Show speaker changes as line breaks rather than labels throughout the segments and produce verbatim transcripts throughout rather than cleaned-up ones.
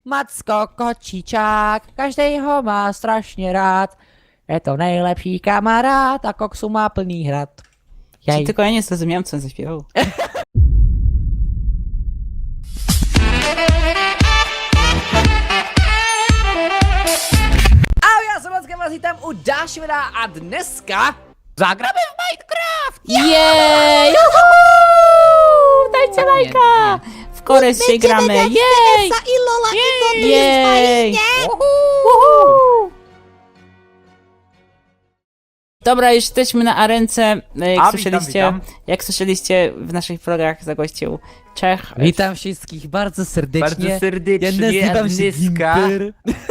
Macko kociciak, každejho má strašně rád. Je to nejlepší kamarád a koksu má plný hrad. Jej.
Tylko ja nie zrozumiałem, co on zaśpiewał.
Ahoj, já jsem Macka, vás vítám u dalšího videa a dneska zagramy v Minecraft!
Jej! Dajcie lajka! W Kores się gramy! Jej! Jej! Uhu! Dobra, już jesteśmy na arence. Jak
A,
słyszeliście,
witam, witam.
jak słyszeliście w naszych vlogach zagościł Czech.
Witam wszystkich bardzo serdecznie.
Bardzo serdecznie,
Ja nazywam się
Agnieszka.
Gimper.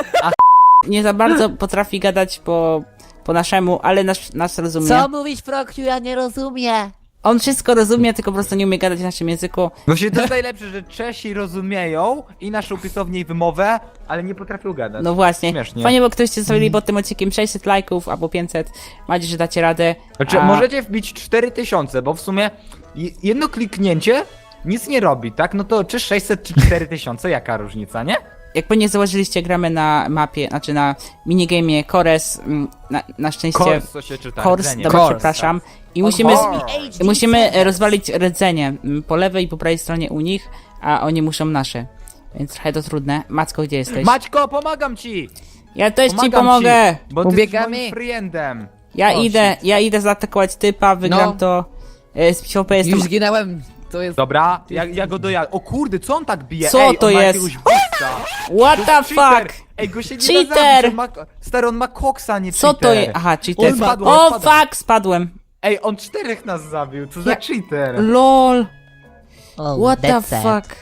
Nie za bardzo potrafi gadać po, po naszemu, ale nas, nas rozumie.
Co mówisz, Prokciu? Ja nie rozumiem.
On wszystko rozumie, tylko po prostu nie umie gadać w naszym języku.
Właśnie to jest najlepsze, że Czesi rozumieją i naszą pisownię i wymowę, ale nie potrafią gadać.
No właśnie.
Śmiesznie.
Fajnie, bo ktoście zostawili pod tym odcinkiem sześćset lajków albo pięćset. Mam nadzieję, że dacie radę.
Znaczy,
A-
możecie wbić cztery tysiące, bo w sumie je- jedno kliknięcie nic nie robi, tak? No to czy sześćset, czy cztery tysiące, jaka różnica, nie?
Jak pewnie założyliście, gramy na mapie, znaczy na minigamie Kores. mm, Na, na szczęście.
Kors, co się czyta,
Kors,
rdzenie.
dobra,
Kors,
przepraszam. I
On
musimy,
Kors.
i musimy e, rozwalić rdzenie mm, po lewej i po prawej stronie u nich, a oni muszą nasze. Więc trochę to trudne. Macko, gdzie jesteś?
Maćko, pomagam ci!
Ja też ci
Pomagam
pomogę!
Ci, bo ty
Ubiegamy.
jesteś moim friendem.
Ja
O,
idę,
shit.
ja idę zaatakować typa, wygram
No.
to. E, Z PvP jestem.
Już zginęłem. To jest...
Dobra, ja, ja go dojadę. O kurde, co on tak bije?
Co
Ej,
to
on ma
jest?
jakiegoś busta.
What
To
the
jest cheater.
fuck?
Ej, go się nie
Cheater.
da zabić, on ma, stary, on ma koksa, nie
Co to
cheater.
jest? Aha, cheater.
On spadł,
O
on spadł.
fuck, spadłem.
Ej, on czterech nas zabił, co za
Ja-
cheater.
LOL.
Oh,
What the
that's sad.
fuck?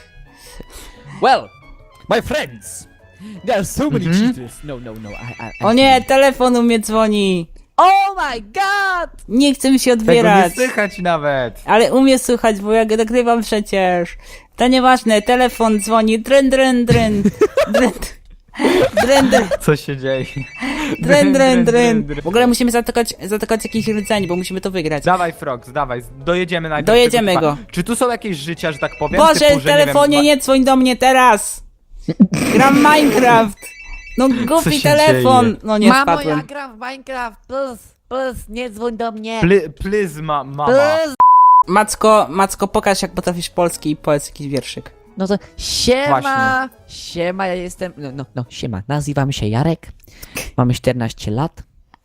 Well, my friends, there are so many
Mhm.
cheaters. No, no, no. I, I, I
O nie, telefon u mnie dzwoni.
Oh my god!
Nie chce mi się
Tego nie
odbierać.
słychać nawet.
Ale umie słuchać, bo ja go nagrywam przecież. To nieważne, telefon dzwoni. Dryn, dryn, dryn. Dryn, dryn, dryn.
Co się dzieje?
Dryn, dryn, dryn. W ogóle musimy zaatakować, zaatakować jakiś rdzeń, bo musimy to wygrać.
Dawaj, Frogs, dawaj, dojedziemy najpierw.
Dojedziemy
tego
go.
typa. Czy tu są jakieś życia, że tak powiem?
Boże,
typu, że,
telefonie,
nie,
nie dzwoń do mnie teraz! Gram Minecraft! No głupi
się
telefon!
dzieje?
No nie
Mamo,
spadłem.
ja gram w Minecraft. Plus, plus, nie dzwoń do mnie.
wiem. Ply, plyzma, mama.
Plus.
Macko, Macko, pokaż jak potrafisz polski i powiedz jakiś wierszyk.
No to siema,
Właśnie.
siema, ja jestem, no, no, no, siema, nazywam się Jarek, mam czternaście lat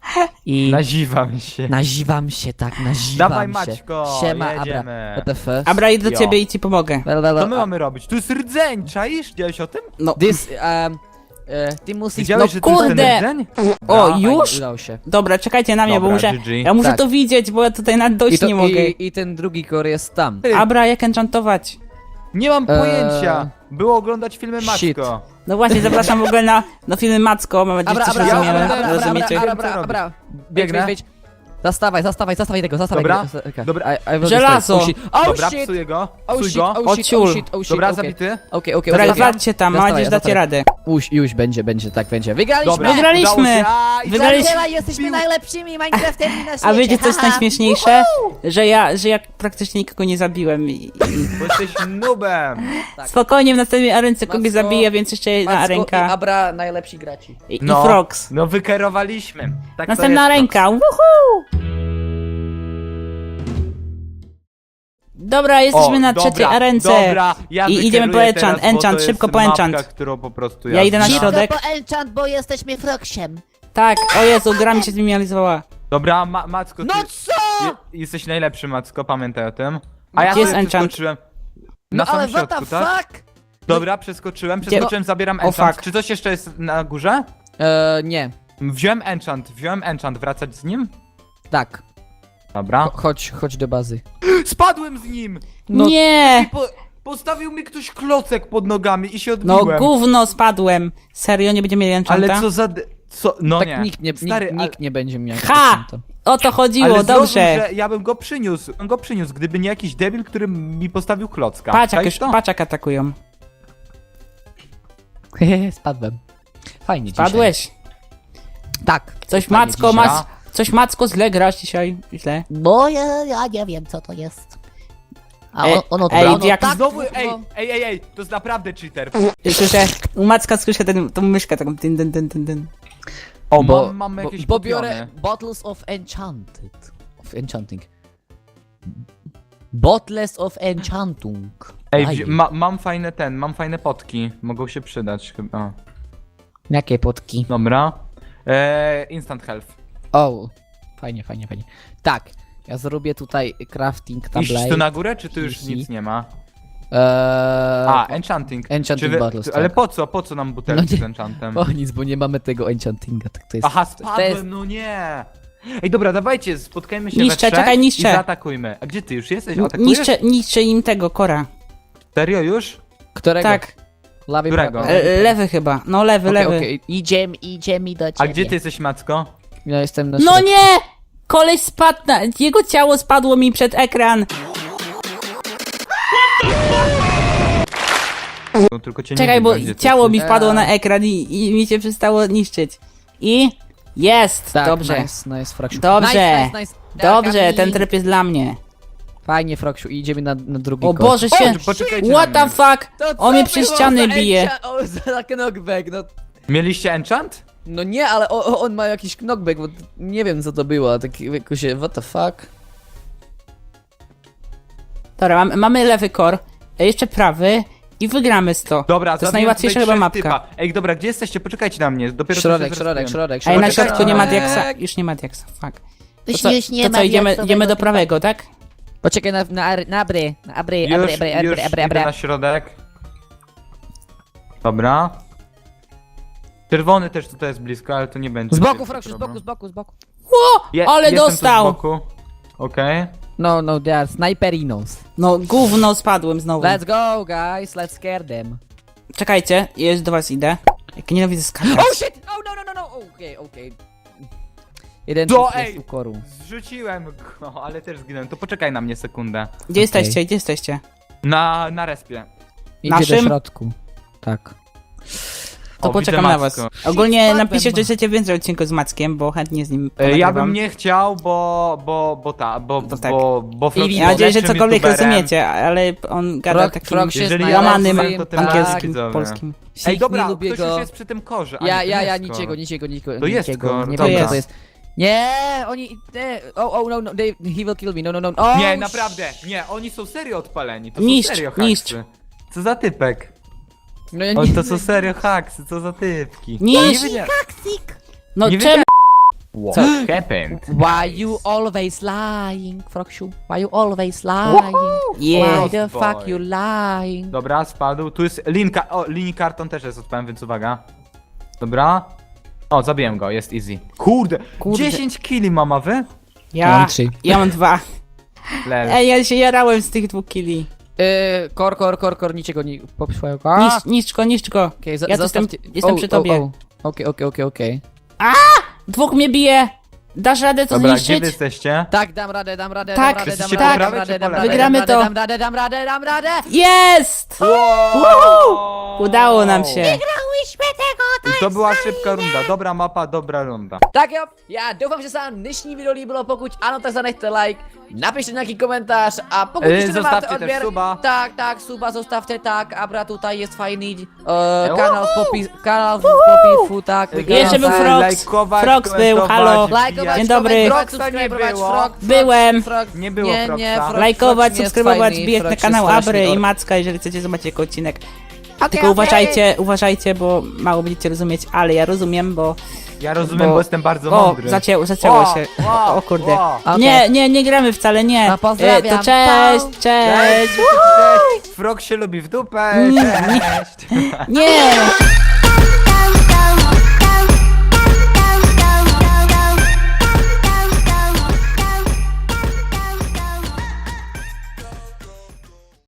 i
Naziwam się.
nazywam się, tak, nazywam
Dawaj,
się.
Maćko,
Siema, Abra,
jedziemy.
what the fuck?
Abra, idę do
Jo.
ciebie i ci pomogę.
Well, well,
Co my
uh,
mamy robić? Tu jest rdzeń, czaisz? Widziałeś o tym?
No,
This, um, e, ty musisz,
Widziałeś,
no
że tu jest ten
kurde.
rdzeń?
O,
No.
już?
udało się.
Dobra, czekajcie na mnie,
Dobra,
bo muszę,
G G.
ja muszę
Tak.
to widzieć, bo ja tutaj nawet
I,
dojść
to,
nie mogę.
i, I ten drugi kor jest tam.
Ty,
Abra, jak enchantować?
nie mam
Eee,
pojęcia. Było oglądać filmy
shit.
Maćko.
No właśnie, zapraszam w ogóle na, na filmy Macko, mam nadzieję,
Abra,
że coś
abra,
rozumiemy,
abra, abra, abra,
rozumiecie?
abra,
Wiem, co
abra, abra.
Biegnę.
Wejdź, wejdź, wejdź. Zastawaj, zastawaj, zastawaj tego, zastawaj
Dobra,
tego. Okay.
dobra.
I, I will
Żelazo.
destroy. Oh shit, oh
Dobra,
shit,
psuję go,
oh
psuj
shit,
go.
oh shit,
Ociul.
oh shit, oh shit,
Dobra,
okay.
zabity.
Okej, okej,
Dobra,
okej.
walczcie tam, mam nadzieję, że dacie radę.
Już, już będzie, będzie, tak będzie. Wygraliśmy!
Dobra,
Wygraliśmy.
udało się. A, i
Wygraliśmy.
zabiera-
Zabiera, jesteśmy najlepszymi Minecrafterami na świecie.
A wiecie co jest
haha.
najśmieszniejsze? Że ja, że ja praktycznie nikogo nie zabiłem i, i
Bo jesteś nubem.
Tak.
spokojnie w następnej arence kogoś
Macko-
zabiję, więc jeszcze jedna
Macko i
arenka
Abra, najlepsi graci.
i, i
No,
Frogs.
no wykerowaliśmy. Tak to
Następna
jest,
ręka, woohoo! Dobra, jesteśmy
O,
na
dobra,
trzeciej arence.
Dobra, ja
I idziemy po
wykeruję
enchant,
teraz, bo
enchant,
to
szybko
jest
po enchant.
mapka, którą po prostu
Ja idę na
znam.
środek.
po enchant, bo jesteśmy Frogsiem.
Tak, o Jezu, gra mi się zminimalizowała.
Dobra, ma Macko, ty
No co?
je, jesteś najlepszy, Macko, pamiętaj o tym. A ja
Gdzie jest
sobie
enchant?
przeskoczyłem.
No
Na
ale
samym
what the
środku, tak?
fuck?
Dobra, przeskoczyłem,
Gdzie-
przeskoczyłem, zabieram
O,
enchant.
fuck.
Czy coś jeszcze jest na górze?
Eee, nie.
Wziąłem enchant, wziąłem enchant, wracać z nim?
Tak.
Dobra.
Cho- Chodź, chodź do bazy.
Spadłem z nim!
No-
Nie!
Po, postawił mi ktoś klocek pod nogami i się
No
odbiłem.
gówno spadłem. Serio, nie będziemy mieli enchanta?
Ale co za... d- Co? No
tak
nie.
nikt nie,
Stary,
nikt, nikt nie będzie miał.
Ha!
enchanta.
O to chodziło,
ale zrozum,
dobrze.
że ja bym go przyniósł, bym go przyniósł, gdyby nie jakiś debil, który mi postawił klocka.
Patrz jak,
Czaisz
już,
to?
patrz jak atakują.
Hehe, spadłem. Fajnie dzisiaj.
Padłeś.
Tak.
Coś
Fajnie
Macko,
dzisiaj.
masz... Coś Macko źle grasz dzisiaj. Źle.
Bo ja, ja nie wiem co to jest.
A
Ej,
on, ono
ej,
ono
jak
tak,
Znowu,
kurwa.
ej, ej, ej, ej, to jest naprawdę cheater.
Słyszę, u Macka słyszę ten, tą myszkę taką dyn, dyn, dyn, dyn, dyn.
O,
Bo,
mam, mamy
bo,
jakieś
bo
kupione.
biorę Bottles of Enchanted. Of Enchanting. Bottles of Enchantung.
Ej,
Daj
wzi-
mi.
ma, mam fajne ten, mam fajne potki. Mogą się przydać chyba.
Jakie potki?
Dobra. Eee, instant health.
O, fajnie, fajnie, fajnie. Tak, ja zrobię tutaj crafting
Iść
tablet.
tu na górę, czy tu już
Easy.
nic nie ma?
Eee,
A, enchanting.
Enchanting
Czy wy-
bottles,
Ale
tak.
po co? Po co nam butelki
No nie-
z enchantem?
O nic, bo nie mamy tego enchantinga, tak to jest...
Aha,
to
spadłem,
jest-
no nie! Ej, dobra, dawajcie, spotkajmy się
Niszczę,
we trzech
czekaj, niszczę.
i zaatakujmy. A gdzie ty już jesteś? Atakujesz?
Niszczę, niszczę im tego kora.
Serio już?
Którego?
Tak,
Lawy
Którego?
prawo.
e, lewy chyba, no lewy,
Okej,
lewy.
okej, idziemy, idziemy do ciebie.
A gdzie ty jesteś, Macko?
Ja jestem na
No
środku.
nie! Koleś spadł na... Jego ciało spadło mi przed ekran.
No, tylko cię nie
Czekaj, bo
widać, gdzie ty
ciało mi
jesteś.
wpadło na ekran i, i mi się przestało niszczyć. I... Jest!
Tak,
dobrze.
nice, nice, Froksiu.
Dobrze.
Nice, nice, nice.
Dobrze,
Dagami.
ten tryb jest dla mnie.
Fajnie, Froksiu, i idziemy na, na drugi
O
kod.
Boże się...
O, poczekajcie
What
na
the
mnie.
fuck?
To co
On mnie przez
było
ściany
za
bije.
encha- O, za taki knockback, no...
Mieliście enchant?
No nie, ale o, o, on ma jakiś knockback, bo nie wiem co to było, taki jakoś, what the fuck?
Dobra, mamy, mamy lewy kor, e, jeszcze prawy i wygramy z to.
Dobra,
To jest
zabiłem
najłatwiejsza
tutaj
chyba
trzech
mapka.
typa. Ej, dobra, gdzie jesteście? Poczekajcie na mnie, dopiero co
Środek,
się
środek,
zrespiłem.
środek,
Ej, na
środek.
środku nie ma
środek.
diaksa. Już nie ma diaksa, fuck. To
Już
co,
już nie
to
ma
co idziemy,
diaksowego
idziemy do
typa.
prawego, tak?
Poczekaj na, na, na abry, na abry,
Już,
abry, abry,
już
abry, abry,
idę na
abry.
środek. Dobra. Czerwony też tutaj jest blisko, ale to nie będzie.
Z boku,
wielki
Froksiu, z
problem.
boku, z boku, z boku.
O,
Je-
ale
jestem tu
dostał!
Z boku. Okej.
No, no, they are sniperinos.
No, gówno spadłem znowu.
Let's go, guys, let's scare them.
Czekajcie, już do was idę. Jak nienawidzę skakać.
Oh shit! Oh no, no, no, no, okej, okej. Jeden
To,
trik jest
ej!
u koru.
Zrzuciłem go, ale też zginąłem. To poczekaj na mnie sekundę.
Gdzie jesteście, gdzie jesteście?
Na, na respie.
Idzie
Naszym?
do środku. Tak.
To
O,
poczekam
widzę
na was.
Macko.
Ogólnie
Spadłem.
napiszcie, czy chcecie więcej odcinków z Mackiem, bo chętnie z nim
E,
ponagrywam.
Ja bym nie chciał, bo, bo, bo ta, bo,
To
bo,
tak.
bo, bo Frog
I
Ja mam nadzieję, że
lepszym
cokolwiek
youtuberem.
rozumiecie, ale on gada
Frog-
takim
Frog się
Jeżeli
zna,
ja
łamanym
rozumiem, to tym
angielskim,
widzowie.
polskim.
Ej, dobra,
nie lubię
ktoś już
go.
jest przy tym korze. a
Ja,
nie, to
ja,
nie
ja,
jest
niczego,
kor.
niczego, niczego,
To jest
niczego,
kor,
nie
dobra.
wiem co to jest. Nie, oni, nie, oh, oh, no, no, they, he will kill me, no, no, no, oh,
Nie, naprawdę, nie, oni są serio odpaleni, to
Niszcz,
są serio
niszcz.
haksy. Co za typek?
No ja
O,
nie,
to są serio haksy, co za typki.
Niszcz.
Nie wiedziałem.
No
Nie
czemu?
What happened?
why you always lying, Froksiu? Why you always lying?
Yeah.
Why the
Boy.
fuck you lying?
Dobra, spadł. Tu jest linka. O, linii karton też jest odpałem, więc uwaga. Dobra. O, zabiłem go, jest easy. Kurde,
Kurde.
dziesięć killi mama wy?
Ja,
Mam trzy.
ja mam dwa.
Lel.
Ej, ja się jarałem z tych dwóch killi.
Yy, kor, kor, kor, kor, niczego nie poprzłego.
Niszcz, niszcz go, niszcz go.
Okej, za-
Ja tu jestem,
zostawcie-
jestem
o,
przy
o,
tobie.
o. Okej, okej, okej, okej.
Dwóch mnie bije. Dasz radę to
Dobra, gdzie
zniszczyć?
wy jesteście?
Tak, dam radę, dam radę,
Tak.
dam radę, dam
Jesteście
radę,
po
dam
prawej
radę,
czy
dam
po
radę,
lewej?
Wygramy
dam
to.
radę, Dam radę, dam radę, dam radę.
Jest!
Wow!
Udało nam się.
Wygrałyśmy tego,
I to była szybka runda. Dobra mapa, dobra runda.
Tak, jo, ja doufám, že se vám dnešní video líbilo, pokud ano, tak zanechte like, napište nějaký komentář a pokud
Eh,
ještě nemáte
zostawcie też
odběr,
suba.
tak, tak, suba zostawte, tak, Abra tutaj jest fajný uh,
Eh,
kanál v popis, kanál v popisku, tak,
Jeszcze był
wygląda.
Frogs.
Lajkować,
Frogs był,
komentować,
halo.
Lajkować,
Dzień dobry.
komentować,
Frogsa nie
subskrybować,
było.
Frog, Frog,
Byłem.
Frog,
Nie było
nie,
Frogsa.
nie, Frog,
Lajkować,
Frog nie jest
subskrybować,
fajny,
wbijać na
Frog
kanał
jest straszny
Abry i
or-
Macka, jeżeli chcecie zobaczyć jego odcinek.
Okej,
Tylko
okej.
uważajcie, uważajcie, bo mało będziecie rozumieć, ale ja rozumiem, bo...
Ja rozumiem, bo,
Bo-
jestem bardzo
O,
mądry.
zacięło, zacięło
O,
się.
o,
O kurde.
o.
Okej.
Nie, nie, nie gramy wcale, nie.
No, pozdrawiam.
E, To cześć,
Pa.
cześć.
Cześć, cześć. Frog się lubi w dupę.
Mm,
Cześć.
Nie.